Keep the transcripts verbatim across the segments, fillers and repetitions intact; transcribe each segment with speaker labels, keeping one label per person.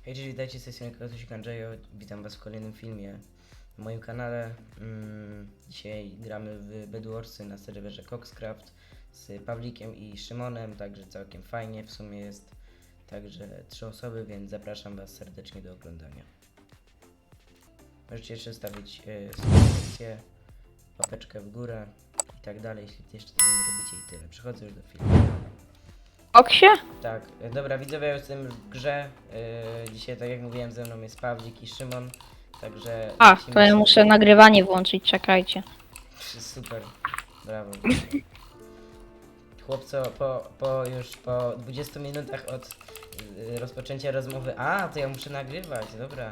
Speaker 1: Hej, cześć, witajcie, z tej strony Kotosik Andrzejo. Witam was w kolejnym filmie na moim kanale. Mm, dzisiaj gramy w Bedwarsy na serwerze Coxcraft z Pawlikiem i Szymonem, także całkiem fajnie w sumie jest. Także trzy osoby, więc zapraszam was serdecznie do oglądania. Możecie jeszcze stawić y, subskrypcję, łapeczkę w górę i tak dalej, jeśli jeszcze tego nie robicie i tyle. Przechodzę już do filmu.
Speaker 2: Oksie?
Speaker 1: Tak, e, dobra widzowie, ja jestem w grze. Yy, dzisiaj, tak jak mówiłem, ze mną jest Pawlik i Szymon. Także.
Speaker 2: A,
Speaker 1: lecimy
Speaker 2: to ja
Speaker 1: sobie.
Speaker 2: muszę nagrywanie włączyć, czekajcie.
Speaker 1: Super, brawo. Chłopco, po, po już po dwudziestu minutach od yy, rozpoczęcia rozmowy. A, to ja muszę nagrywać, dobra.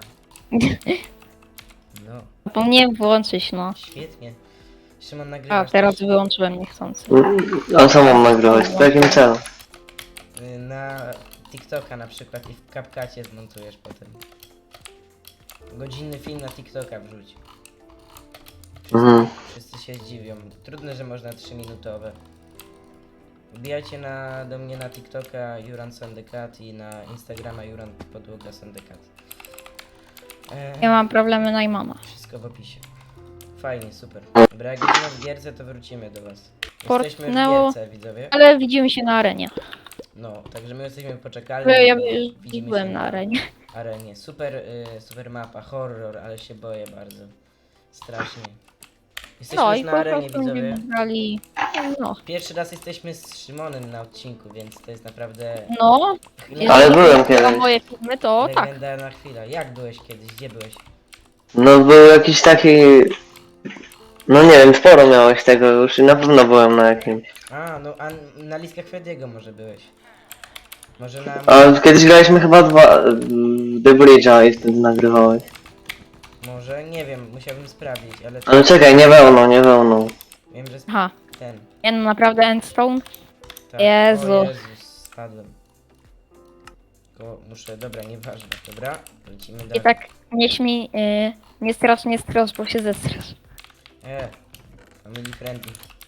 Speaker 1: No,
Speaker 2: Zapomniałem włączyć, no.
Speaker 1: świetnie. Szymon
Speaker 2: A,
Speaker 1: nagrywasz
Speaker 2: teraz
Speaker 1: też?
Speaker 2: wyłączyłem niechcący.
Speaker 3: A co mam nagrywać? W jakim celu?
Speaker 1: Yy, na TikToka na przykład i w CapCutie zmontujesz potem. Godzinny film na TikToka wrzuć. Wszyscy,
Speaker 3: Mhm.
Speaker 1: wszyscy się zdziwią. Trudne, że można trzy minutowe. Wbijajcie na, do mnie na TikToka Juran Sandekat i na Instagrama Juran Podłoga Sandekat. Eee,
Speaker 2: Ja mam problemy Najmana.
Speaker 1: Wszystko w opisie. Fajnie, super. Dobra, jak będziemy w gierce, to wrócimy do was. Jesteśmy w
Speaker 2: Portnęło.
Speaker 1: gierce, widzowie.
Speaker 2: Ale widzimy się na arenie.
Speaker 1: No, także my jesteśmy poczekalni.
Speaker 2: Ja, ja
Speaker 1: bo
Speaker 2: już
Speaker 1: widzimy
Speaker 2: byłem
Speaker 1: się
Speaker 2: na arenie.
Speaker 1: arenie. Super, y, super mapa, horror, ale się boję bardzo. Strasznie. Jesteśmy
Speaker 2: No
Speaker 1: już
Speaker 2: i
Speaker 1: na
Speaker 2: po
Speaker 1: arenie,
Speaker 2: prostu
Speaker 1: widzowie.
Speaker 2: będziemy grali. No.
Speaker 1: Pierwszy raz jesteśmy z Szymonem na odcinku, więc to jest naprawdę
Speaker 2: No.
Speaker 3: Ale
Speaker 2: jeżeli
Speaker 3: byłem
Speaker 2: chodzi o
Speaker 3: kiedyś.
Speaker 2: moje filmy, to tak.
Speaker 1: legendarna chwila. Jak byłeś kiedyś? Gdzie byłeś?
Speaker 3: No był jakiś taki... No nie wiem, sporo miałeś tego już i na pewno byłem na jakimś.
Speaker 1: A, no a na listach Frediego może byłeś. Może na...
Speaker 3: A kiedyś graliśmy chyba dwa... w The Bridge'a i wtedy nagrywałeś.
Speaker 1: Może, nie wiem, musiałbym sprawdzić, ale
Speaker 3: Ale czekaj, nie wełną, nie wełną.
Speaker 1: wiem, że
Speaker 2: Aha.
Speaker 1: ten.
Speaker 2: Nie no, naprawdę Endstone?
Speaker 1: Tak.
Speaker 2: Jezu.
Speaker 1: O Jezus, spadłem. Tylko muszę, dobra, nieważne, dobra? Lecimy dalej.
Speaker 2: I tak nie śmiej, yy, nie strasz, nie strasz, bo się zestrasz.
Speaker 1: E, family friendly.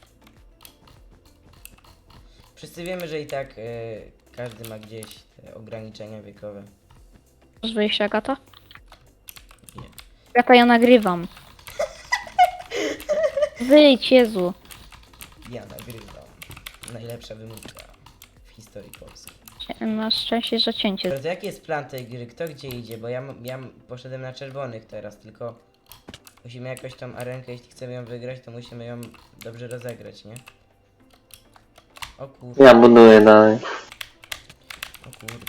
Speaker 1: Wszyscy wiemy, że i tak e, każdy ma gdzieś te ograniczenia wiekowe.
Speaker 2: Możesz wyjść, Agata?
Speaker 1: Nie.
Speaker 2: Agata, ja nagrywam. Wyjdź, Jezu.
Speaker 1: Ja nagrywam. Najlepsza wymówka w historii Polski.
Speaker 2: Masz szczęście, że cięcie.
Speaker 1: Ale to jaki jest plan tej gry? Kto gdzie idzie? Bo ja, m- ja m- poszedłem na czerwonych teraz, tylko musimy jakoś tą arenkę, jeśli chcemy ją wygrać, to musimy ją dobrze rozegrać, nie? O kurde,
Speaker 3: Ja buduję dalej.
Speaker 1: o kurde.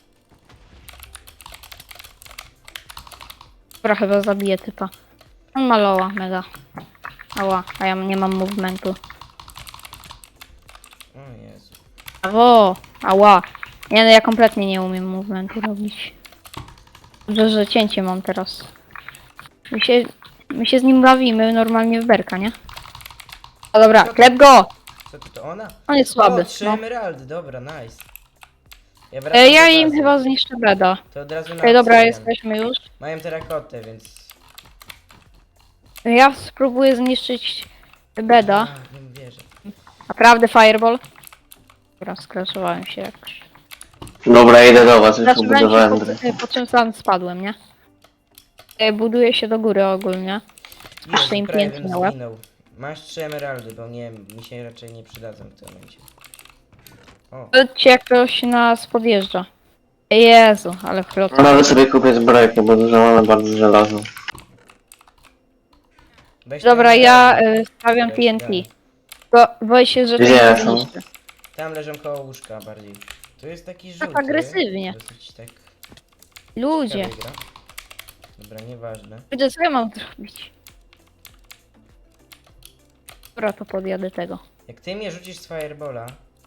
Speaker 2: Dobra, chyba zabiję typa. On maloła, mega. Ała, a ja nie mam movementu.
Speaker 1: O Jezu.
Speaker 2: Brawo! Ała! Nie, no ja kompletnie nie umiem movementu robić. Dobrze, że cięcie mam teraz. My się, my się z nim bawimy normalnie w berka, nie? O dobra, klep go!
Speaker 1: Co to, to ona?
Speaker 2: On jest słaby.
Speaker 1: O, trzy
Speaker 2: No.
Speaker 1: emeraldy, dobra, nice. Ja, wracam
Speaker 2: E, ja
Speaker 1: do
Speaker 2: im
Speaker 1: bazy.
Speaker 2: chyba zniszczę beda.
Speaker 1: To od razu na
Speaker 2: Ej, dobra,
Speaker 1: obsydian.
Speaker 2: jesteśmy już.
Speaker 1: Mają terakotę, więc...
Speaker 2: Ja spróbuję zniszczyć beda.
Speaker 1: A, nie wierzę.
Speaker 2: Naprawdę fireball. Dobra, skraszowałem się jakoś.
Speaker 3: Dobra, idę do was, już
Speaker 2: Zacząłem
Speaker 3: ubudowałem
Speaker 2: się,
Speaker 3: dry.
Speaker 2: po, po czym sam spadłem, nie? E, Buduję się do góry ogólnie. Jeszcze im
Speaker 1: prawie
Speaker 2: pięknie
Speaker 1: bym
Speaker 2: na łeb.
Speaker 1: zginął. Masz trzy emeraldy, bo nie mi się raczej nie przydadzą w tym momencie. O,
Speaker 2: Powiedzcie, jak ktoś nas podjeżdża. Jezu, ale chlot.
Speaker 3: Nawet sobie kupię zbrojkę, bo dużo mamy bardzo żelazo.
Speaker 1: weź te
Speaker 2: Dobra, ja
Speaker 1: emeraldy.
Speaker 2: y, stawiam
Speaker 1: Weź
Speaker 2: T N T.
Speaker 1: dalej.
Speaker 2: Bo boję się, że to
Speaker 3: Gdzie
Speaker 2: nie
Speaker 3: są?
Speaker 2: zniszczy.
Speaker 1: Tam leżą koło łóżka bardziej. Tu jest taki żółty.
Speaker 2: agresywnie.
Speaker 1: Dosyć tak
Speaker 2: Ludzie,
Speaker 1: ciekawy gra. Dobra, nieważne.
Speaker 2: ludzie, co ja mam zrobić? Dobra, to podjadę tego.
Speaker 1: Jak ty mnie rzucisz z firebola,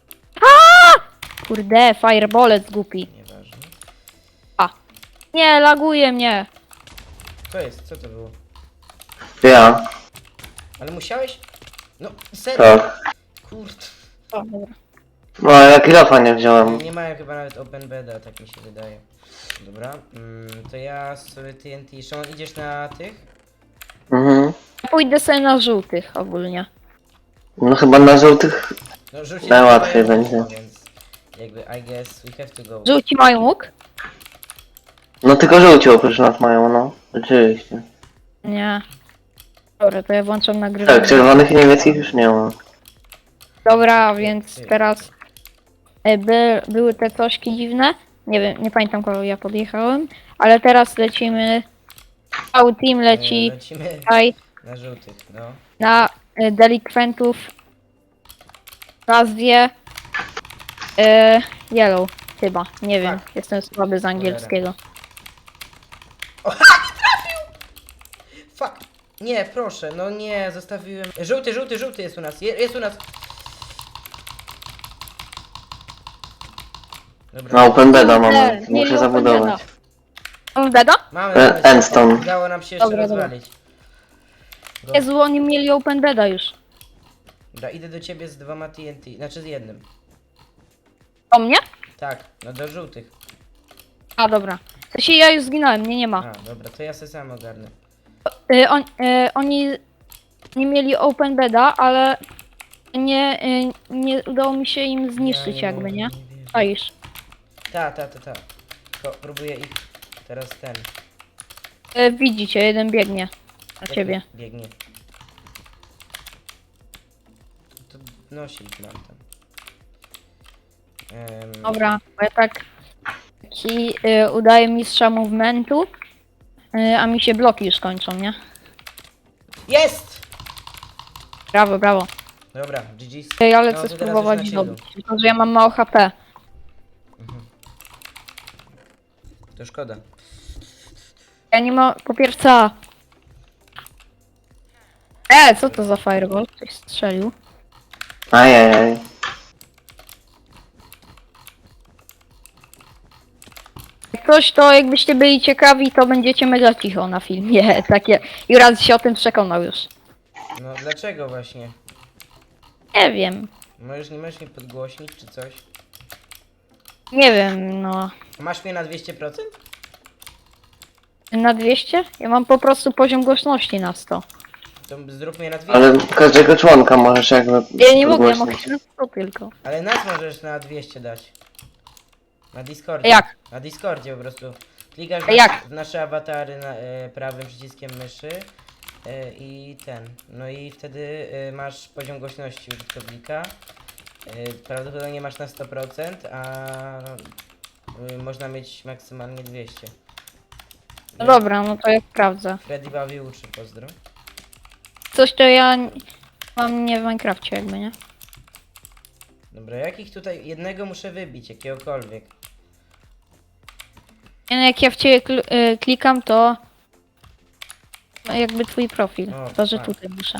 Speaker 2: Kurde, firebolec głupi.
Speaker 1: nieważne.
Speaker 2: Nie, laguje mnie.
Speaker 1: Co jest? Co to było?
Speaker 3: Ja,
Speaker 1: Ale musiałeś? No, serio?
Speaker 3: tak.
Speaker 1: Kurde.
Speaker 2: O, dobra.
Speaker 3: No, ja kilofa nie wziąłem.
Speaker 1: Nie mają chyba nawet open beda, tak mi się wydaje. Dobra, mm, to ja sobie T N T. Szymon, idziesz na tych?
Speaker 3: Mhm.
Speaker 2: Ja pójdę sobie na żółtych ogólnie.
Speaker 3: No chyba na żółtych...
Speaker 1: No rzucić
Speaker 3: Najłatwiej
Speaker 1: tutaj,
Speaker 3: będzie.
Speaker 1: Więc jakby I guess we have to go.
Speaker 2: Żółci mają łuk?
Speaker 3: No tylko żółci oprócz nas mają, no. Oczywiście.
Speaker 2: Nie. Dobra, to ja włączam nagrywanie.
Speaker 3: Tak, czerwonych i niemieckich już nie ma.
Speaker 2: Dobra, więc teraz e, by, były te cośki dziwne. Nie wiem, nie pamiętam kogo ja podjechałem, ale teraz lecimy. Cały team leci
Speaker 1: E, Lecimy
Speaker 2: tutaj
Speaker 1: na żółtych, no.
Speaker 2: na e, delikwentów w nazwie e, Yellow chyba, nie wiem,
Speaker 1: Tak.
Speaker 2: jestem słaby z angielskiego.
Speaker 1: Fuck! Nie, proszę, no nie, zostawiłem... Żółty, żółty, żółty jest u nas, je, jest u nas! Dobra,
Speaker 3: No open beda mamy,
Speaker 2: Nie, nie,
Speaker 3: muszę
Speaker 2: open
Speaker 3: zabudować.
Speaker 2: On beda?
Speaker 1: mamy,
Speaker 3: E,
Speaker 1: mamy,
Speaker 3: Endstone.
Speaker 1: udało nam się jeszcze
Speaker 2: Dobra, dobra.
Speaker 1: rozwalić. Go.
Speaker 2: Jezu, oni mieli open beda już.
Speaker 1: Dobra, idę do ciebie z dwoma T N T, znaczy z jednym.
Speaker 2: O mnie?
Speaker 1: Tak, no do żółtych.
Speaker 2: A dobra. W sensie ja już zginąłem, mnie nie ma.
Speaker 1: A, dobra, to ja se sam ogarnę.
Speaker 2: Y, on, y, oni nie mieli open beda, ale nie, y, nie udało mi się im zniszczyć
Speaker 1: Ja
Speaker 2: jakby,
Speaker 1: mogę,
Speaker 2: nie?
Speaker 1: wierzę.
Speaker 2: Czaisz.
Speaker 1: Ta, ta, ta, ta. Tylko próbuję ich teraz ten.
Speaker 2: Y, widzicie, jeden biegnie na
Speaker 1: jak
Speaker 2: ciebie.
Speaker 1: Biegnie. To nosi ich mam tam. Em,
Speaker 2: Dobra, bo ja tak ci y, udaję mistrza movementu, y, a mi się bloki już kończą, nie?
Speaker 1: Jest!
Speaker 2: Brawo, brawo.
Speaker 1: Dobra, G G's.
Speaker 2: Ej, ale
Speaker 1: No,
Speaker 2: chcę
Speaker 1: to teraz
Speaker 2: spróbować
Speaker 1: już na chillu.
Speaker 2: dobić, tylko że ja mam mało H P.
Speaker 1: To szkoda.
Speaker 2: Ja nie mam, po pierwsze... E, co to za fireball? Ktoś strzelił.
Speaker 3: Ajajaj.
Speaker 2: Jak coś, to jakbyście byli ciekawi, to będziecie mega cicho na filmie, takie... I raz się o tym przekonał już.
Speaker 1: No dlaczego właśnie?
Speaker 2: Nie wiem,
Speaker 1: Możesz, nie możesz mnie podgłośnić czy coś?
Speaker 2: nie wiem, no...
Speaker 1: Masz mnie na dwieście procent?
Speaker 2: Na dwieście? Ja mam po prostu poziom głośności na sto.
Speaker 1: To zrób mnie na dwieście.
Speaker 3: Ale każdego członka możesz jakby
Speaker 2: Ja nie mogę, ja mogę
Speaker 3: podgłośnić.
Speaker 2: na sto tylko.
Speaker 1: Ale nas możesz na dwieście dać. Na Discordzie.
Speaker 2: Jak?
Speaker 1: Na Discordzie po prostu. Klikasz
Speaker 2: A
Speaker 1: w,
Speaker 2: jak?
Speaker 1: w nasze awatary na, e, prawym przyciskiem myszy e, i ten. No i wtedy e, masz poziom głośności użytkownika. E, prawdopodobnie masz na sto procent, a e, można mieć maksymalnie dwieście.
Speaker 2: No dobra, no to ja sprawdzę.
Speaker 1: Freddy bawi uczy, pozdro.
Speaker 2: Coś to ja n- mam nie w Minecrafcie jakby, nie?
Speaker 1: Dobra, jakich tutaj jednego muszę wybić, jakiegokolwiek.
Speaker 2: Nie, no jak ja w ciebie kl- y, klikam, to... no jakby twój profil.
Speaker 1: O,
Speaker 2: To, że
Speaker 1: tak.
Speaker 2: tutaj muszę.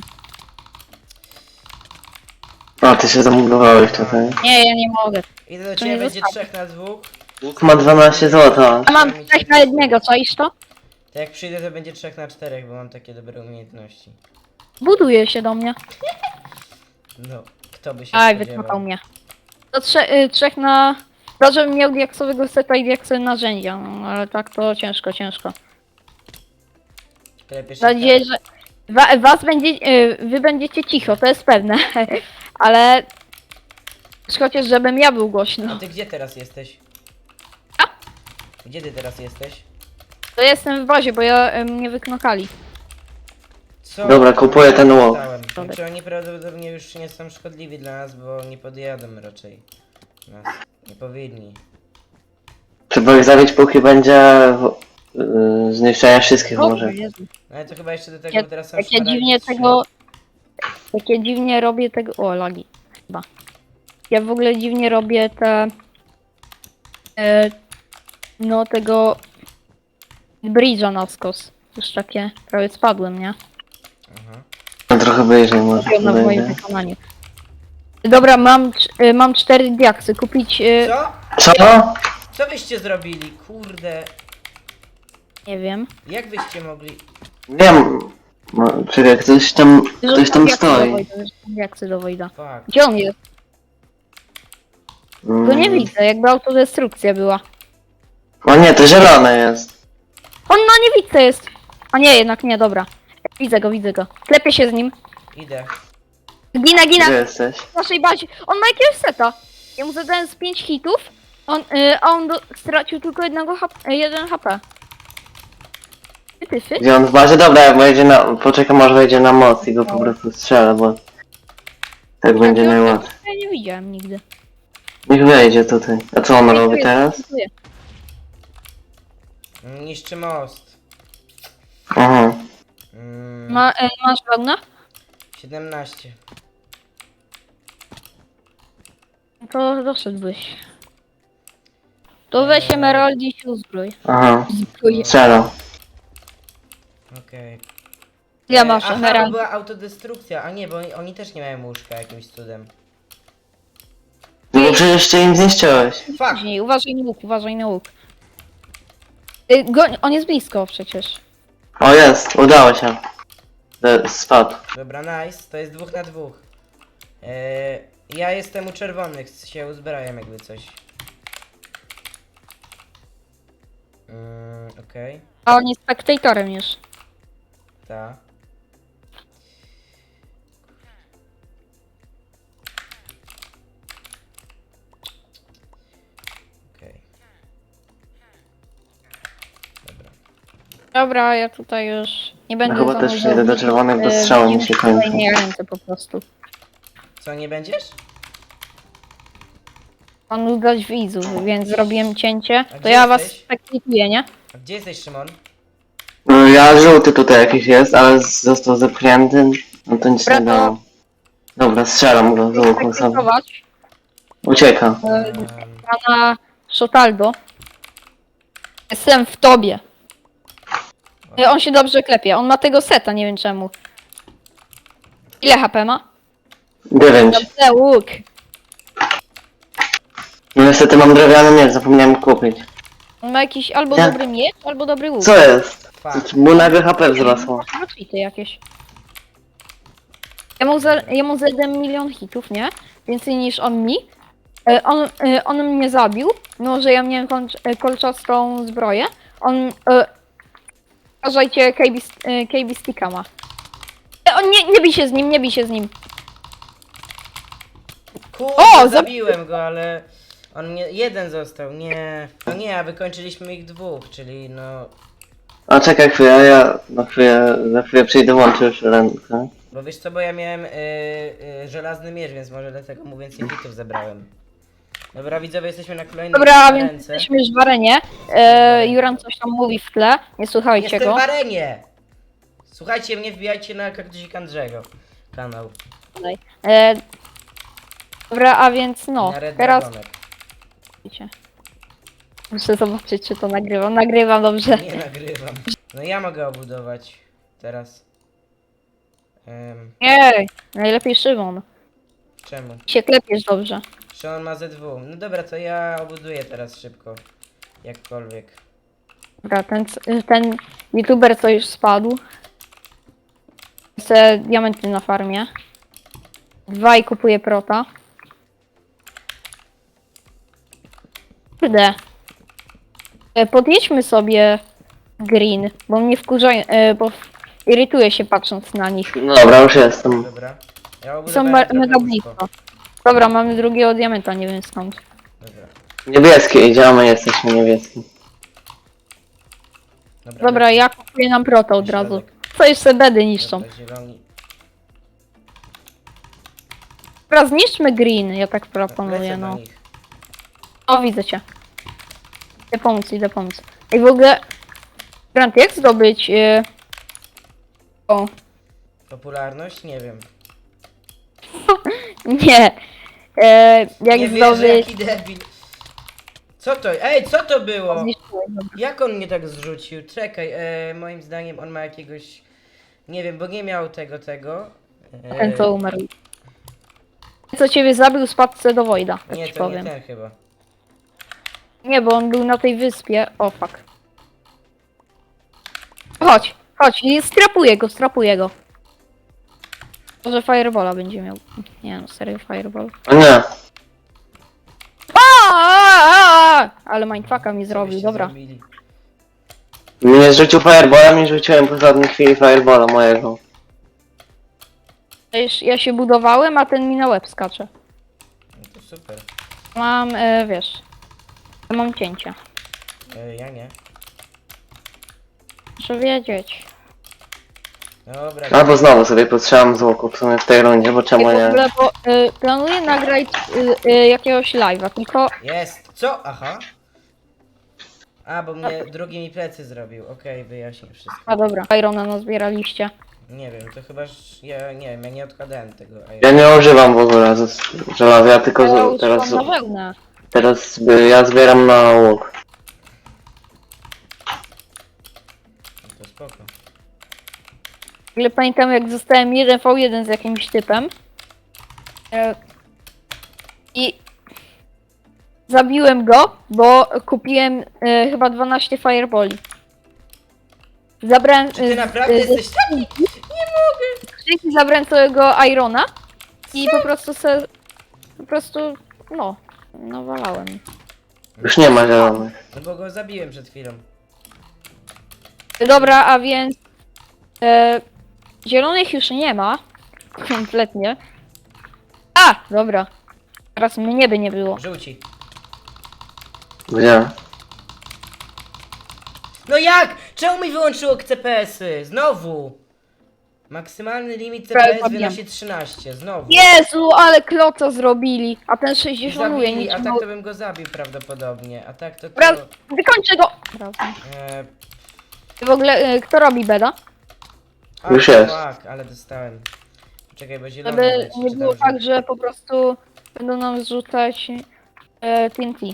Speaker 3: O, ty się zamugowałeś tutaj.
Speaker 2: Nie, ja nie mogę.
Speaker 1: Idę do
Speaker 2: To
Speaker 1: ciebie,
Speaker 2: nie
Speaker 1: będzie
Speaker 2: zostawię.
Speaker 1: trzech na dwóch.
Speaker 3: Łuk ma dwanaście złota.
Speaker 2: A mam trzech na jednego, czaisz to?
Speaker 1: To jak przyjdę, to będzie trzech na czterech, bo mam takie dobre umiejętności.
Speaker 2: Buduje się do mnie.
Speaker 1: No, kto by się
Speaker 2: Aj,
Speaker 1: spodziewał.
Speaker 2: wycofał mnie. To trze y, trzech na... To, żebym miał diaksowego seta i diaksowe narzędzia, no, ale tak to ciężko, ciężko.
Speaker 1: Klepiesz
Speaker 2: Mam
Speaker 1: ich
Speaker 2: nadzieję, że wa was będzie, y, wy będziecie cicho, to jest pewne. Ale... Chociaż żebym ja był
Speaker 1: tak. A
Speaker 2: głośno.
Speaker 1: ty gdzie teraz jesteś?
Speaker 2: A?
Speaker 1: Gdzie ty teraz jesteś?
Speaker 2: To jestem w bazie, bo ja y, mnie wyknokali.
Speaker 1: Co?
Speaker 3: Dobra, kupuję ten łuk.
Speaker 1: Dostałem. Znaczy oni prawdopodobnie już nie są szkodliwi dla nas, bo nie podjadą raczej. Nas. Nie powinni.
Speaker 3: Trzeba ich zabić póki będzie yy, zniszczenia wszystkich
Speaker 2: O,
Speaker 3: może.
Speaker 2: Jezu.
Speaker 1: No ale to chyba jeszcze do tego,
Speaker 2: Ja,
Speaker 1: bo teraz są
Speaker 2: jak ja
Speaker 1: szmaragdy
Speaker 2: dziwnie
Speaker 1: trzy.
Speaker 2: tego... Jak ja dziwnie robię tego... O, lagi. Chyba. Ja w ogóle dziwnie robię te... E, no tego... Bridge'a na skos. Już takie... Prawie spadłem, nie?
Speaker 1: Aha.
Speaker 3: No, trochę wyżej może
Speaker 2: Robione w moim
Speaker 3: będzie.
Speaker 2: wykonaniu. Dobra, mam, cz- y, mam cztery diaksy. Kupić... Y,
Speaker 1: Co?
Speaker 3: Co?
Speaker 1: Co wyście zrobili? Kurde.
Speaker 2: nie wiem.
Speaker 1: Jak wyście mogli?
Speaker 3: Wiem. No, czekaj, ktoś tam, ktoś tam
Speaker 2: Diaksy do
Speaker 3: stoi.
Speaker 2: Wojda, rzucam diaksy do Wojda.
Speaker 1: Fuck.
Speaker 2: Gdzie on jest? Go nie
Speaker 3: Mm.
Speaker 2: widzę, jakby autodestrukcja była.
Speaker 3: O nie, to zielone jest.
Speaker 2: On na niewidce jest! A nie, jednak nie, dobra. Widzę go, widzę go. Klepię się z nim.
Speaker 1: Idę.
Speaker 2: Gina,
Speaker 3: Gdzie
Speaker 2: gina!
Speaker 3: jesteś?
Speaker 2: W naszej bazie. On ma jakiegoś seta. Ja mu zadałem z pięć hitów, on, y, a on do, stracił tylko jednego H P, jeden H P. Tyfy?
Speaker 3: Gdzie on w bazie? Dobra, jak wejdzie na... Poczekam aż wejdzie na moc i go po prostu strzelę, bo... Tak będzie
Speaker 2: Ja
Speaker 3: najłatwiej.
Speaker 2: Ja nie widziałem nigdy.
Speaker 3: Niech wejdzie tutaj. A co on robi teraz?
Speaker 1: Niszczy most.
Speaker 3: Aha.
Speaker 1: Mm,
Speaker 2: Ma, e, masz wełnę?
Speaker 1: siedemnaście.
Speaker 2: To doszedłeś. To weź emerald i się uzbrój.
Speaker 3: Aha.
Speaker 2: Zbrój.
Speaker 3: Strzelam.
Speaker 1: Okej.
Speaker 2: Ja
Speaker 1: E,
Speaker 2: masz
Speaker 1: Aha, bo
Speaker 2: emerald.
Speaker 1: była autodestrukcja. A nie, bo oni, oni też nie mają łóżka jakimś cudem.
Speaker 3: No bo przecież ty im zniszczyłeś.
Speaker 1: Fuck!
Speaker 2: Później, uważaj na łuk, uważaj na łuk. Y, Go, on jest blisko przecież.
Speaker 3: O jest, udało się. E, Spadł.
Speaker 1: Dobra, nice. To jest dwóch na dwóch. E, ja jestem u czerwonych, się uzbrajam jakby coś. Mm, okej.
Speaker 2: A on jest spektatorem już.
Speaker 1: Ta. Okej. Dobra.
Speaker 2: Dobra, ja tutaj już nie będę
Speaker 3: chyba też
Speaker 2: zanudzał
Speaker 3: przejdę do czerwonych, bo
Speaker 2: e,
Speaker 3: strzały mi
Speaker 2: widzów
Speaker 3: się
Speaker 2: w
Speaker 3: kończą.
Speaker 2: kolejnej ręce po prostu.
Speaker 1: Co, nie będziesz?
Speaker 2: Mam nudzać widzów, więc zrobiłem cięcie. To
Speaker 1: gdzie
Speaker 2: ja was
Speaker 1: jesteś?
Speaker 2: spektatuję, nie?
Speaker 1: A gdzie jesteś, Szymon?
Speaker 3: No, ja żółty tutaj jakiś jest, ale z- został zepchnięty. No to nic
Speaker 2: Dobra,
Speaker 3: nie
Speaker 2: to-
Speaker 3: dało. Dobra, strzelam go z łuku sobie.
Speaker 2: Spektatować
Speaker 3: Ucieka.
Speaker 2: e,
Speaker 1: Um,
Speaker 2: pana Szotaldo. Jestem w tobie. E, On się dobrze klepie. On ma tego seta, nie wiem czemu. Ile H P ma?
Speaker 3: Dziewięć.
Speaker 2: Dobrze, łuk.
Speaker 3: No niestety mam drewniany miecz, zapomniałem kupić.
Speaker 2: On ma jakiś albo
Speaker 3: Nie.
Speaker 2: dobry miecz, albo dobry łuk.
Speaker 3: Co jest?
Speaker 1: fuck.
Speaker 3: Mu nagle H P wzrosło.
Speaker 2: Ma cheaty jakieś. Ja mu, za, ja mu zadałem milion hitów, nie? Więcej niż on mi. E, On, e, on mnie zabił, no że ja miałem kończ- e, kolczastą zbroję. On... E, uważajcie, K B, st- e, K B sticka ma. E, On nie, nie bij się z nim, nie bij się z nim.
Speaker 1: Kurde,
Speaker 2: O,
Speaker 1: zabiłem go, ale on mnie jeden został, nie. No nie, a wykończyliśmy ich dwóch, czyli no.
Speaker 3: A czekaj chwilę, ja na chwilę, za chwilę przyjdę, włączę już rękę.
Speaker 1: Bo wiesz co, bo ja miałem y, y, żelazny miecz, więc może dlatego mu więcej hitów zebrałem. Dobra, widzowie, jesteśmy na kolejnej
Speaker 2: Dobra, więc
Speaker 1: ręce.
Speaker 2: jesteśmy już w arenie. E, Juran coś tam mówi w tle, nie słuchajcie
Speaker 1: Jestem
Speaker 2: go.
Speaker 1: w arenie! Słuchajcie mnie, wbijajcie na Kaktusik Andrzego kanał.
Speaker 2: E, dobra, a więc no,
Speaker 1: na Red
Speaker 2: teraz...
Speaker 1: Dragonek.
Speaker 2: Wiecie. Muszę zobaczyć, czy to nagrywam. Nagrywam dobrze.
Speaker 1: Nie nagrywam. No ja mogę obudować teraz. Um,
Speaker 2: Nie, najlepiej Szymon.
Speaker 1: czemu?
Speaker 2: Się klepiesz dobrze.
Speaker 1: Szymon ma Z dwa. No dobra, to ja obuduję teraz szybko. Jakkolwiek.
Speaker 2: Dobra, ten, ten youtuber co już spadł. Chce diamenty na farmie. Dwa i kupuje prota. Kurde. E, Podjedźmy sobie green, bo mnie wkurza, e, bo irytuje się patrząc na nich.
Speaker 3: No dobra, już jestem.
Speaker 1: Dobra. Ja
Speaker 2: Są
Speaker 1: obudowałem
Speaker 2: me-
Speaker 1: trochę
Speaker 2: mega
Speaker 1: łóżko.
Speaker 2: blisko. Dobra, mamy drugiego diamenta, nie wiem skąd.
Speaker 1: Dobra.
Speaker 3: Niebieskie idziemy, jesteśmy niebieskim.
Speaker 1: Dobra,
Speaker 2: Dobra, ja kupuję nam prota od razu. Co jeszcze bedy niszczą.
Speaker 1: Dobra, zieloni.
Speaker 2: Dobra, zniszczmy green, ja tak proponuję,
Speaker 1: Lecę do
Speaker 2: no.
Speaker 1: nich.
Speaker 2: O, widzę cię. Idę pomóc, idę pomóc. I w ogóle... Grant, jak zdobyć... Yy... O,
Speaker 1: Popularność? Nie wiem.
Speaker 2: nie. E, jak
Speaker 1: nie wierzę,
Speaker 2: zdobyć...
Speaker 1: jaki debil. Co to? Ej, co to było?
Speaker 2: Zniszczyłem, dobra.
Speaker 1: Jak on mnie tak zrzucił? Czekaj, e, moim zdaniem on ma jakiegoś... Nie wiem, bo nie miał tego, tego. E,
Speaker 2: Ten co umarł. Ten co ciebie zabił, spadł se do Wojda, tak
Speaker 1: Nie,
Speaker 2: ci
Speaker 1: to
Speaker 2: powiem.
Speaker 1: nie ten chyba.
Speaker 2: Nie, bo on był na tej wyspie. O, fuck. Chodź, chodź, i strapuję go, strapuję go. Może Firebola będzie miał. Nie no, serio Fireball.
Speaker 3: O nie.
Speaker 2: A, a, a, ale mindfucka mi
Speaker 1: Co
Speaker 2: zrobił,
Speaker 1: byście
Speaker 2: dobra.
Speaker 1: zrobili?
Speaker 3: Mnie zrzucił firebola, mi rzuciłem po żadnej chwili firebola mojego.
Speaker 2: Ja już- Ja się budowałem, a ten mi na łeb skacze.
Speaker 1: No to super.
Speaker 2: Mam, e, wiesz, mam cięcie.
Speaker 1: E, ja nie.
Speaker 2: Muszę wiedzieć.
Speaker 1: Dobra,
Speaker 3: Albo znowu sobie potrzebam z łuku w sumie w tej rundzie, bo
Speaker 2: Ja
Speaker 3: czemu
Speaker 2: w
Speaker 3: nie?
Speaker 2: ogóle, bo y, planuję nagrać y, y, jakiegoś live'a, tylko
Speaker 1: jest! Co? Aha. A, bo mnie drugi mi plecy zrobił. Okej, wyjaśnię wszystko.
Speaker 2: A dobra, Irona nazbieraliście.
Speaker 1: Nie wiem, to chyba, że ja nie wiem, ja nie odkładałem tego. A
Speaker 3: Ja nie używam w ogóle z- żelaza, ja tylko
Speaker 2: Ja
Speaker 3: z, teraz,
Speaker 2: używam na wełnę.
Speaker 3: teraz y, ja zbieram na łuk.
Speaker 1: To spoko.
Speaker 2: W ogóle pamiętam jak zostałem jeden v jeden z jakimś typem. E, I zabiłem go, bo kupiłem e, chyba dwanaście fireboli. Zabrałem...
Speaker 1: Czy ty
Speaker 2: e,
Speaker 1: naprawdę
Speaker 2: e,
Speaker 1: jesteś taki?
Speaker 2: skrzynki zabrałem całego Irona i po prostu se... Po prostu... no... nawalałem.
Speaker 3: Już nie ma zielonych.
Speaker 1: No bo go zabiłem przed chwilą.
Speaker 2: Dobra, a więc... E, zielonych już nie ma. Kompletnie. A! Dobra. Teraz mnie by nie było.
Speaker 1: Żółci.
Speaker 3: Gdzie?
Speaker 1: No jak? Czemu mi wyłączyło C P S-y? Znowu! Maksymalny limit C P S
Speaker 2: Prawie
Speaker 1: wynosi trzynaście. Znowu.
Speaker 2: Jezu, ale kloca zrobili! A ten
Speaker 1: I
Speaker 2: sześćdziesiątuje,
Speaker 1: zabili,
Speaker 2: nic
Speaker 1: a
Speaker 2: nie
Speaker 1: tak to bym go zabił prawdopodobnie. A tak to to...
Speaker 2: Dobra, wykończę go! Dobra.
Speaker 1: E,
Speaker 2: W ogóle, e, kto robi beda?
Speaker 1: a,
Speaker 3: Już jest.
Speaker 1: Tak, ale dostałem. Czekaj, bo zielony
Speaker 2: Żeby
Speaker 1: leci,
Speaker 2: nie
Speaker 1: czy
Speaker 2: było
Speaker 1: tam
Speaker 2: tak, że po prostu będą nam zrzucać e, T N T.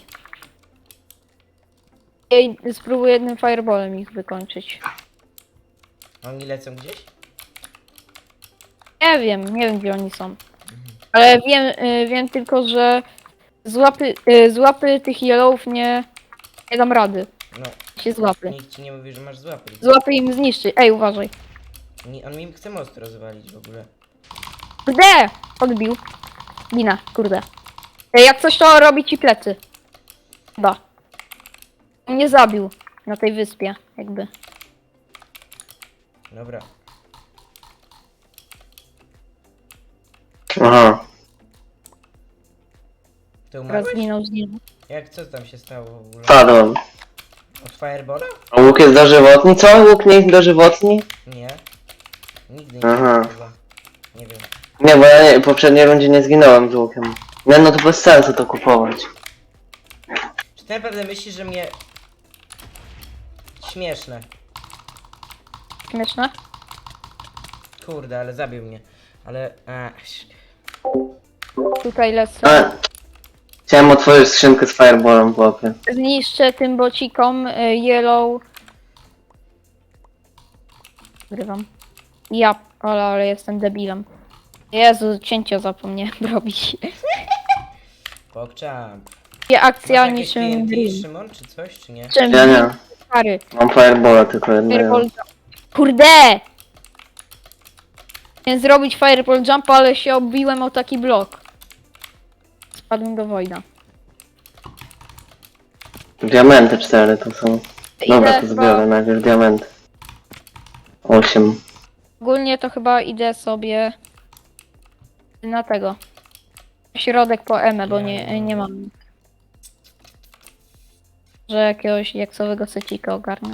Speaker 2: Ja spróbuję jednym fireballem ich wykończyć.
Speaker 1: Oni lecą gdzieś?
Speaker 2: Nie wiem, nie wiem gdzie oni są. Ale wiem, e, wiem tylko, że z łapy, e, z łapy tych yellowów nie, nie dam rady.
Speaker 1: No,
Speaker 2: Się z łapy.
Speaker 1: nikt ci nie mówi, że masz złapy.
Speaker 2: Z łapy im zniszczy. Ej, uważaj.
Speaker 1: Nie, on mi chce most rozwalić w ogóle.
Speaker 2: Kurde! Odbił. Gina, kurde. Ej, jak coś to robi ci plecy. Chyba. Mnie zabił na tej wyspie, jakby.
Speaker 1: Dobra.
Speaker 3: Aha.
Speaker 1: Ty
Speaker 2: Teraz
Speaker 1: umarłeś?
Speaker 2: zginął, zginął.
Speaker 1: Jak, co tam się stało w ogóle?
Speaker 3: Padłem.
Speaker 1: Od Firebola?
Speaker 3: A łuk jest dożywotni? Co? Łuk nie jest dożywotni?
Speaker 1: Nie. Nigdy nie
Speaker 3: Aha.
Speaker 1: chyba. Nie wiem.
Speaker 3: Nie, bo ja nie, w poprzedniej rundzie nie zginąłem z łukiem. Nie, no to bez sensu to kupować.
Speaker 1: Czy ty naprawdę myślisz, że mnie... Śmieszne.
Speaker 2: Śmieszne?
Speaker 1: Kurde, ale zabił mnie. Ale... A,
Speaker 2: Tutaj lecę.
Speaker 3: A, chciałem otworzyć skrzynkę z fireballem w łapie.
Speaker 2: Zniszczę tym bocikom y, yellow. Grywam. Ja, ale, ale jestem debilem. Jezu, cięcia zapomniałem robić.
Speaker 1: pokczam.
Speaker 2: Nie akcja
Speaker 1: Masz jakieś T
Speaker 2: niczym
Speaker 1: N T,
Speaker 2: Dream.
Speaker 1: Szymon, czy coś, czy nie?
Speaker 2: Czym
Speaker 3: Ja nie.
Speaker 2: stary.
Speaker 3: Mam fireballa tylko jednego.
Speaker 2: Fireball jump. Kurde! Chciałem zrobić fireball jump, ale się obiłem o taki blok. Spadłem do wojna.
Speaker 3: Diamenty cztery to są. Dobra,
Speaker 2: Idę
Speaker 3: to
Speaker 2: chyba-
Speaker 3: zbiorę najpierw diamenty. Osiem.
Speaker 2: Ogólnie to chyba idę sobie na tego. Środek po Emę, bo nie, nie mam. Że jakiegoś jaksowego secika ogarnę.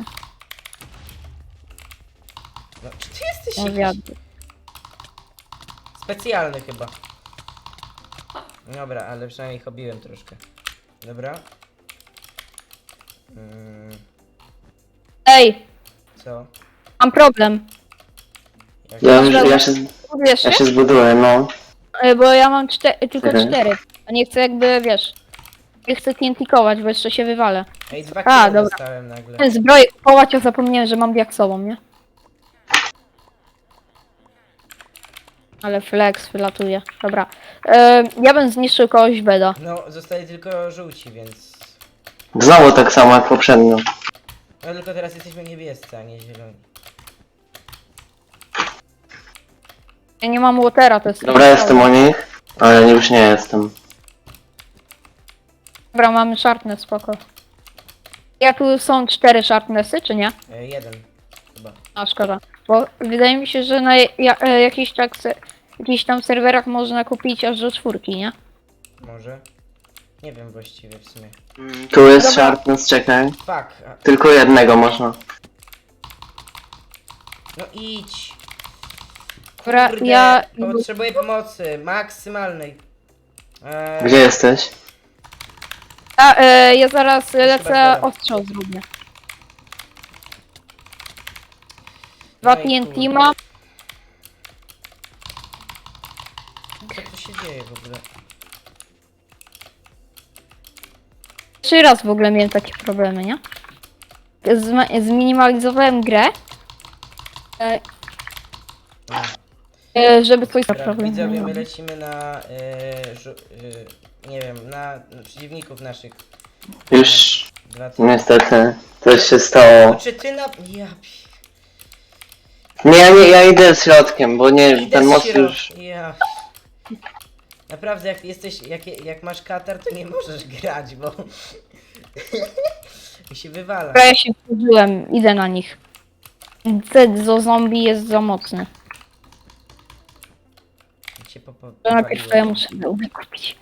Speaker 1: No, czy ty jesteś
Speaker 2: No
Speaker 1: jakiś
Speaker 2: wiadomo.
Speaker 1: specjalny chyba? Dobra, ale przynajmniej ich obiłem troszkę. Dobra. Mm,
Speaker 2: Ej,
Speaker 1: co?
Speaker 2: mam problem.
Speaker 1: Jak...
Speaker 3: Ja, już, ja, się,
Speaker 2: Wiesz,
Speaker 3: ja się zbuduję, no.
Speaker 2: bo ja mam czte- tylko
Speaker 3: Mhm.
Speaker 2: cztery. A nie chcę jakby, wiesz. Nie chcę T N T-kować, bo jeszcze się wywalę.
Speaker 1: Ej, dwa
Speaker 2: A,
Speaker 1: kilo
Speaker 2: dobra.
Speaker 1: dostałem nagle.
Speaker 2: Zbroję kupować, a zapomniałem, że mam diaksową, nie? Ale flex wylatuje. Dobra. E, ja bym zniszczył kogoś beda.
Speaker 1: No, zostali tylko żółci, więc...
Speaker 3: Znowu tak samo jak poprzednio.
Speaker 1: No tylko teraz jesteśmy niebiescy, a nie zieloni.
Speaker 2: Ja nie mam watera, to jest...
Speaker 3: Dobra, jestem u nich, ale już nie jestem.
Speaker 2: Dobra, mamy sharpness, spoko. Ja tu są cztery sharpnessy, czy nie?
Speaker 1: E, jeden. Chyba.
Speaker 2: A szkoda. Bo wydaje mi się, że na ja, e, jakichś, tak se, jakichś tam serwerach można kupić aż do czwórki, nie?
Speaker 1: Może? Nie wiem właściwie w sumie.
Speaker 3: Tu jest
Speaker 2: Dobra.
Speaker 3: sharpness, czekaj.
Speaker 1: Fuck. A,
Speaker 3: Tylko jednego można.
Speaker 1: No idź.
Speaker 2: Dobra,
Speaker 1: Kurde,
Speaker 2: ja...
Speaker 1: potrzebuję pomocy, maksymalnej. Eee,
Speaker 3: Gdzie jesteś?
Speaker 2: A, e, ja zaraz lecę,
Speaker 1: bardzo.
Speaker 2: ostrzał zrobię. Dwa
Speaker 1: No i
Speaker 2: T N T
Speaker 1: kurde.
Speaker 2: mam.
Speaker 1: Co tu się dzieje w ogóle?
Speaker 2: Trzy raz w ogóle miałem takie problemy, nie? Zma- zminimalizowałem grę, e,
Speaker 1: No.
Speaker 2: e, żeby coś za
Speaker 1: Dobra,
Speaker 2: problem
Speaker 1: widzowie,
Speaker 2: nie
Speaker 1: my
Speaker 2: miał.
Speaker 1: lecimy na, e, żu- e, nie wiem, na na przeciwników naszych.
Speaker 3: Już
Speaker 1: Dwa ty...
Speaker 3: niestety coś się stało.
Speaker 1: Czy ty na... Ja... pi-
Speaker 3: Nie, ja nie, ja idę środkiem, bo nie,
Speaker 1: Idę
Speaker 3: ten
Speaker 1: z
Speaker 3: most
Speaker 1: środ-
Speaker 3: już...
Speaker 1: Ja... Naprawdę, jak jesteś, jak, jak masz katar, to nie możesz grać, bo... mi się wywala.
Speaker 2: Dobra, ja się wkurzyłem, idę na nich. Zedzo zombie jest za mocny.
Speaker 1: Mi się popo-
Speaker 2: To najpierw to ja
Speaker 1: popaliło.
Speaker 2: muszę wełnę kupić.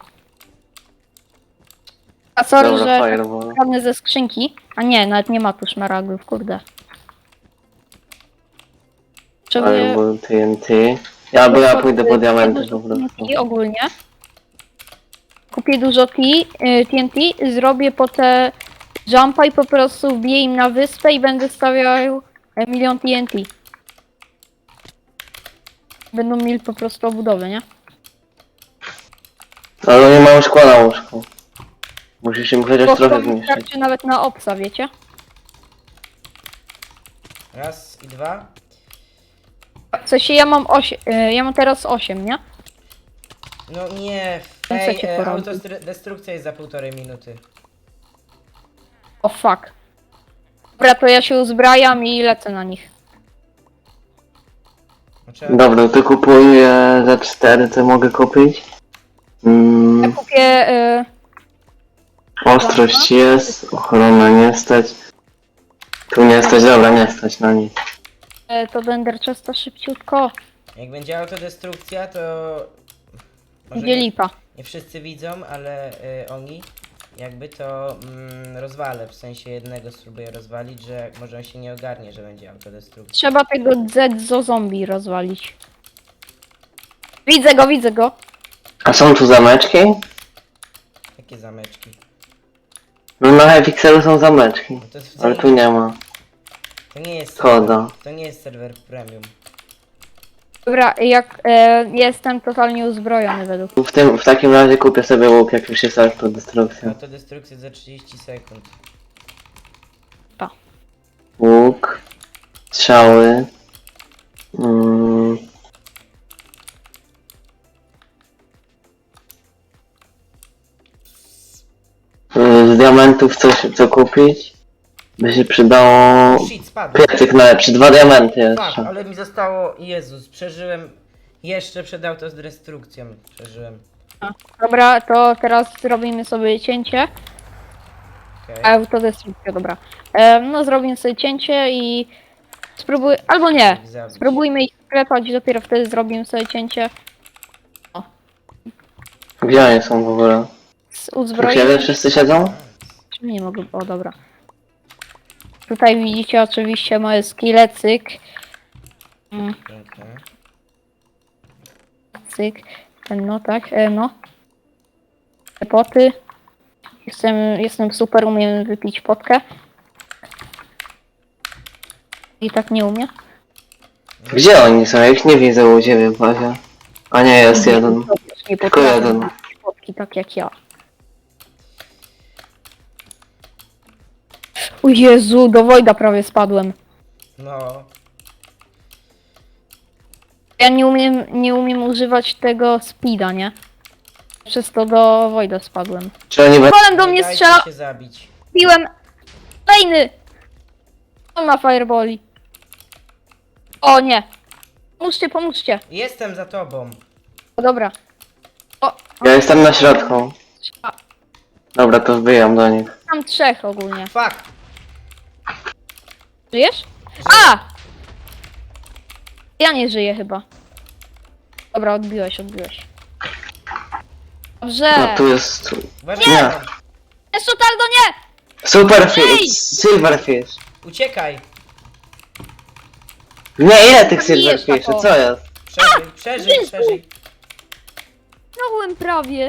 Speaker 2: A sorry,
Speaker 3: Dobra,
Speaker 2: że
Speaker 3: fireball.
Speaker 2: kradnę ze skrzynki. A nie, nawet nie ma tu szmaragdów, kurde. Potrzebuję...
Speaker 3: Fireball, T N T. Ja, bo ja pójdę po diamenty po prostu.
Speaker 2: T N T ogólnie. Kupię dużo T, y, T N T, zrobię po te jumpa i po prostu wbiję im na wyspę i będę stawiał e, milion T N T. Będą mieli po prostu obudowę, nie?
Speaker 3: Ale nie mam szkła na łóżku. Musisz im chociaż
Speaker 2: Bo
Speaker 3: trochę
Speaker 2: to mi
Speaker 3: zmniejszyć.
Speaker 2: starczy nawet na obsa, wiecie?
Speaker 1: Raz i dwa.
Speaker 2: W sensie ja mam osiem, ja mam teraz osiem, nie?
Speaker 1: No nie,
Speaker 2: Co
Speaker 1: ej,
Speaker 2: cię
Speaker 1: e,
Speaker 2: porobi?
Speaker 1: autodestrukcja jest za półtorej minuty.
Speaker 2: O fuck. Dobra, to ja się uzbrajam i lecę na nich.
Speaker 1: No, trzeba...
Speaker 3: Dobra, to kupuję za cztery, co mogę kupić?
Speaker 2: Ja
Speaker 3: Mm,
Speaker 2: kupię... Y,
Speaker 3: ostrość jest, ochrona nie stać. Tu nie stać, dobra, nie stać na nic.
Speaker 2: y, to Ender Chesta szybciutko.
Speaker 1: Jak będzie autodestrukcja, to... Może
Speaker 2: Gdzie
Speaker 1: nie,
Speaker 2: lipa?
Speaker 1: nie wszyscy widzą, ale y, oni jakby to mm, rozwalę, w sensie jednego spróbuję rozwalić, że może on się nie ogarnie, że będzie autodestrukcja.
Speaker 2: Trzeba tego Zedzo zombie rozwalić. Widzę go, widzę go.
Speaker 3: A są tu zameczki?
Speaker 1: Jakie zameczki?
Speaker 3: No na Hypixelu są zameczki,
Speaker 1: No to, jest
Speaker 3: ale tu nie ma.
Speaker 1: to nie jest
Speaker 3: Szkoda.
Speaker 1: to nie jest serwer premium.
Speaker 2: Dobra, jak e, jestem totalnie uzbrojony według.
Speaker 3: W, tym, w takim razie kupię sobie łuk, jak już jest autodestrukcja.
Speaker 1: Autodestrukcja za trzydzieści sekund.
Speaker 3: Łuk, strzały. Mm. Z diamentów coś co kupić? By się przydało
Speaker 1: Shit, spadł.
Speaker 3: piecyk najlepszy, dwa diamenty
Speaker 1: Tak,
Speaker 3: jeszcze.
Speaker 1: ale mi zostało... Jezus, przeżyłem jeszcze przed autodestrukcją. Przeżyłem.
Speaker 2: Dobra, to teraz zrobimy sobie cięcie.
Speaker 1: Okej.
Speaker 2: Autodestrukcja, dobra. E, no zrobimy sobie cięcie i spróbuj, albo nie.
Speaker 1: Ich zabić.
Speaker 2: Spróbujmy ich sklepać, dopiero wtedy zrobimy sobie cięcie
Speaker 3: Gdzie oni są w ogóle?
Speaker 2: z
Speaker 3: U siebie
Speaker 2: uzbrojeniem.
Speaker 3: wszyscy siedzą?
Speaker 2: Czy nie mogę, o dobra. Tutaj widzicie oczywiście moje skille, cyk. Mm,
Speaker 1: Piękne.
Speaker 2: cyk. Ten no tak, e, no. Te poty. Jestem, jestem super, umiem wypić potkę. I tak nie umie.
Speaker 3: Gdzie oni są? Ja ich nie widzę u ciebie w bazie. A nie, jest jeden.
Speaker 2: Nie
Speaker 3: Tylko
Speaker 2: potrafię
Speaker 3: jeden.
Speaker 2: wypić potki tak jak ja. O Jezu, do Wojda prawie spadłem.
Speaker 1: No.
Speaker 2: Ja nie umiem, nie umiem używać tego speeda, nie? Przez to do Wojda spadłem.
Speaker 3: Czy oni będą...
Speaker 2: Golem do
Speaker 1: Nie
Speaker 2: mnie
Speaker 1: dajcie
Speaker 2: strzela!
Speaker 1: się zabić.
Speaker 2: Piłem! Kolejny! On ma fireballi. O nie! Pomóżcie, pomóżcie!
Speaker 1: Jestem za tobą.
Speaker 2: O dobra. O,
Speaker 3: Ja jestem na środku.
Speaker 2: a,
Speaker 3: Dobra, to wbijam do nich.
Speaker 2: mam trzech ogólnie.
Speaker 1: Fuck!
Speaker 2: Żyjesz? A! Ja nie żyję chyba. Dobra, odbiłeś, odbiłeś. Dobrze!
Speaker 3: No tu jest...
Speaker 1: Uważaj,
Speaker 3: Nie.
Speaker 1: na to.
Speaker 2: Jeszcze Taldo nie!
Speaker 3: Superfish! Silverfish!
Speaker 1: Uciekaj!
Speaker 3: Nie, ile tych
Speaker 2: Zabijesz
Speaker 3: silverfishy,
Speaker 2: taką.
Speaker 3: co jest?
Speaker 1: Przeżyj, przeżyj,
Speaker 2: Jezu!
Speaker 1: przeżyj.
Speaker 2: Zginąłem prawie.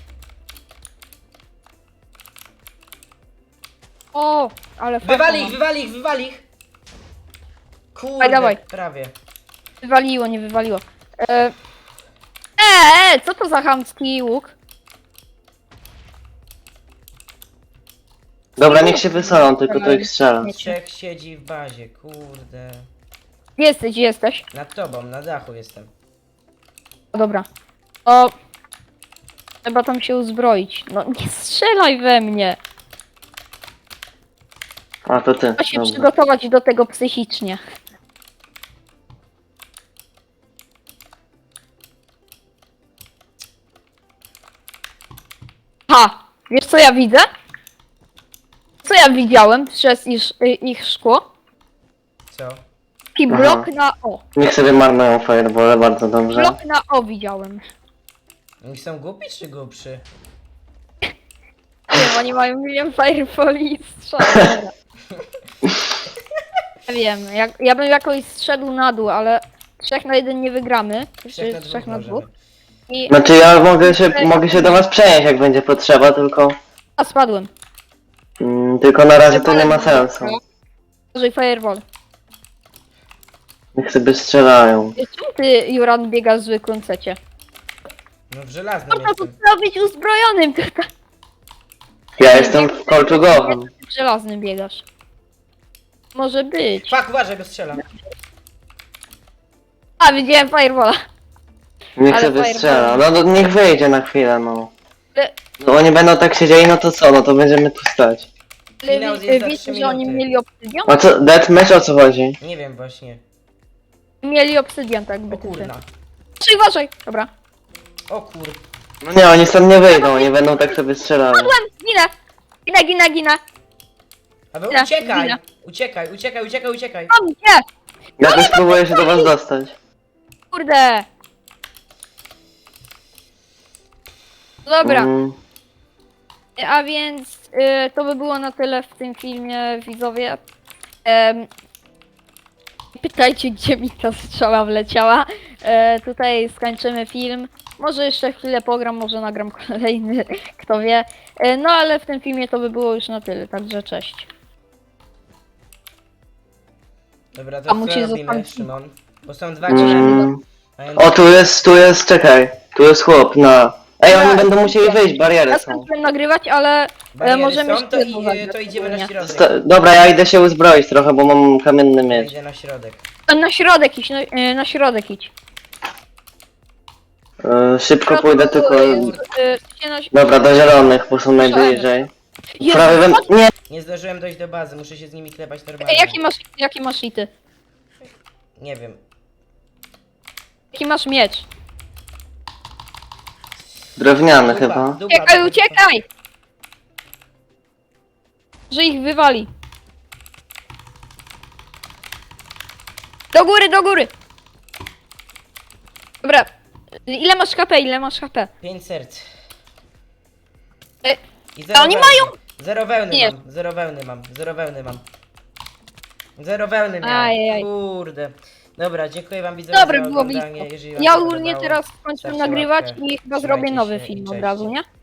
Speaker 2: O, ale fajnie.
Speaker 1: Wywali ich, wywali ich, wywali ich! Kurde,
Speaker 2: Dawaj, dawaj.
Speaker 1: prawie.
Speaker 2: Wywaliło, nie wywaliło. E, e, co to za chamski łuk?
Speaker 3: Dobra, niech się wysolą, tylko to ich strzela.
Speaker 1: Trzech siedzi w bazie, kurde.
Speaker 2: Gdzie jesteś, gdzie jesteś?
Speaker 1: Nad tobą, na dachu jestem.
Speaker 2: O, dobra. O, trzeba tam się uzbroić. No nie strzelaj we mnie.
Speaker 3: A, to ty.
Speaker 2: Trzeba się
Speaker 3: Dobra.
Speaker 2: przygotować do tego psychicznie. Ha! Wiesz co ja widzę? Co ja widziałem przez ich, ich szkło?
Speaker 1: Co?
Speaker 2: Taki
Speaker 3: Aha.
Speaker 2: blok na O.
Speaker 3: Niech sobie marnują firebole, bardzo dobrze.
Speaker 2: Blok na O widziałem.
Speaker 1: Oni są głupi czy głupszy?
Speaker 2: Nie wiem, oni mają milion fireboli i strzał. Nie wiem, jak, ja bym jakoś zszedł na dół, ale trzech na jeden nie wygramy.
Speaker 1: Trzech na
Speaker 2: Czy
Speaker 1: dwóch
Speaker 2: trzech na
Speaker 1: możemy.
Speaker 2: dwóch. I...
Speaker 3: Znaczy ja mogę się, mogę się do was przenieść, jak będzie potrzeba, tylko...
Speaker 2: A, spadłem.
Speaker 3: Mm, tylko na razie to nie ma sensu.
Speaker 2: Użyj fireball.
Speaker 3: Niech sobie strzelają.
Speaker 2: Czemu ty, Juran, biegasz w zwykłym secie?
Speaker 1: No w żelaznym
Speaker 2: Można tu
Speaker 1: jestem.
Speaker 2: trzeba być uzbrojonym tutaj.
Speaker 3: Ja jestem w kolczugowym.
Speaker 2: W żelaznym biegasz. Może być.
Speaker 1: Fuck, uważaj, go strzela.
Speaker 2: A, widziałem fireballa.
Speaker 3: Niech
Speaker 2: Ale
Speaker 3: sobie
Speaker 2: fireball.
Speaker 3: strzela. No to niech wyjdzie na chwilę, no.
Speaker 2: Ale-
Speaker 3: No oni będą tak siedzieli, no to co? No to będziemy tu stać.
Speaker 2: Ale
Speaker 1: Finał
Speaker 2: wi-
Speaker 1: jest za
Speaker 2: wiecie,
Speaker 1: trzy
Speaker 2: że oni
Speaker 1: minuty.
Speaker 2: mieli obsydian?
Speaker 3: A co, deathmatch o co chodzi?
Speaker 1: Nie wiem właśnie.
Speaker 2: Mieli obsydian, tak by
Speaker 1: O kurna.
Speaker 2: Uważaj, uważaj. Dobra.
Speaker 1: O kur...
Speaker 3: No nie, oni stąd nie wyjdą, oni będą tak sobie strzelali.
Speaker 2: Padłem! Ginę! Ginę, ginę, ginę!
Speaker 1: Ale
Speaker 2: Ginę,
Speaker 1: uciekaj!
Speaker 2: ginę.
Speaker 1: Uciekaj, uciekaj, uciekaj, uciekaj!
Speaker 2: Mam gdzie?
Speaker 3: Jakoś spróbuję się do was dostać.
Speaker 2: Kurde! Dobra,
Speaker 3: Mm,
Speaker 2: a więc y, to by było na tyle w tym filmie, widzowie. Em, pytajcie, gdzie mi ta strzała wleciała. E, tutaj skończymy film. Może jeszcze chwilę pogram, może nagram kolejny, kto wie. E, no ale w tym filmie to by było już na tyle, także cześć.
Speaker 1: Dobra,
Speaker 2: A
Speaker 1: to co
Speaker 2: musisz
Speaker 1: robimy,
Speaker 2: zostawić-
Speaker 1: Szymon? Bo są dwa ciele.
Speaker 3: mm.
Speaker 1: a ja-
Speaker 3: O, tu jest, tu jest, czekaj. Tu jest chłop na... Ej, oni
Speaker 2: Dobra.
Speaker 3: będą musieli wyjść, bariery
Speaker 2: Ja
Speaker 3: są.
Speaker 2: skończyłem nagrywać, ale e,
Speaker 1: Bariery
Speaker 2: możemy
Speaker 1: są, to,
Speaker 2: jeszcze jedną
Speaker 1: i,
Speaker 2: zagrać
Speaker 1: to idziemy na
Speaker 2: ogólnie.
Speaker 1: środek.
Speaker 3: Sta dobra, ja idę się uzbroić trochę, bo mam kamienny
Speaker 1: Ja
Speaker 3: miecz.
Speaker 1: idę na środek.
Speaker 2: E, Na środek idź, na, e, na środek idź.
Speaker 3: E, szybko pójdę tylko...
Speaker 2: E, e, na-
Speaker 3: Dobra, do zielonych, bo są najbliżej.
Speaker 2: Jezu,
Speaker 3: Prawie we...
Speaker 2: chodź.
Speaker 3: Nie!
Speaker 1: Nie zdążyłem dojść do bazy, muszę się z nimi klepać
Speaker 2: Ej,
Speaker 1: normalnie.
Speaker 2: jaki masz, jaki masz ity?
Speaker 1: Nie wiem.
Speaker 2: Jaki masz miecz?
Speaker 3: Drewniany
Speaker 1: Dupa,
Speaker 3: chyba.
Speaker 1: dupa,
Speaker 2: Uciekaj,
Speaker 1: dupa.
Speaker 2: uciekaj! Że ich wywali. Do góry, do góry! Dobra. Ile masz H P, ile masz H P?
Speaker 1: Pięć serc.
Speaker 2: E,
Speaker 1: I
Speaker 2: a oni
Speaker 1: wełny.
Speaker 2: mają-
Speaker 1: Zero wełny
Speaker 2: Nie.
Speaker 1: mam, zero wełny mam, zero wełny mam. Zero wełny miałem.
Speaker 2: Ajajaj.
Speaker 1: Kurde. Dobra, dziękuję wam widzowie
Speaker 2: Dobra,
Speaker 1: za
Speaker 2: było
Speaker 1: oglądanie.
Speaker 2: blisko.
Speaker 1: Jeżeli wam
Speaker 2: Ja
Speaker 1: się
Speaker 2: ogólnie
Speaker 1: podobało,
Speaker 2: teraz skończę
Speaker 1: stawcie
Speaker 2: nagrywać
Speaker 1: łapkę.
Speaker 2: i chyba
Speaker 1: Trzymajcie
Speaker 2: zrobię nowy
Speaker 1: się i
Speaker 2: film od
Speaker 1: cześć.
Speaker 2: razu, nie?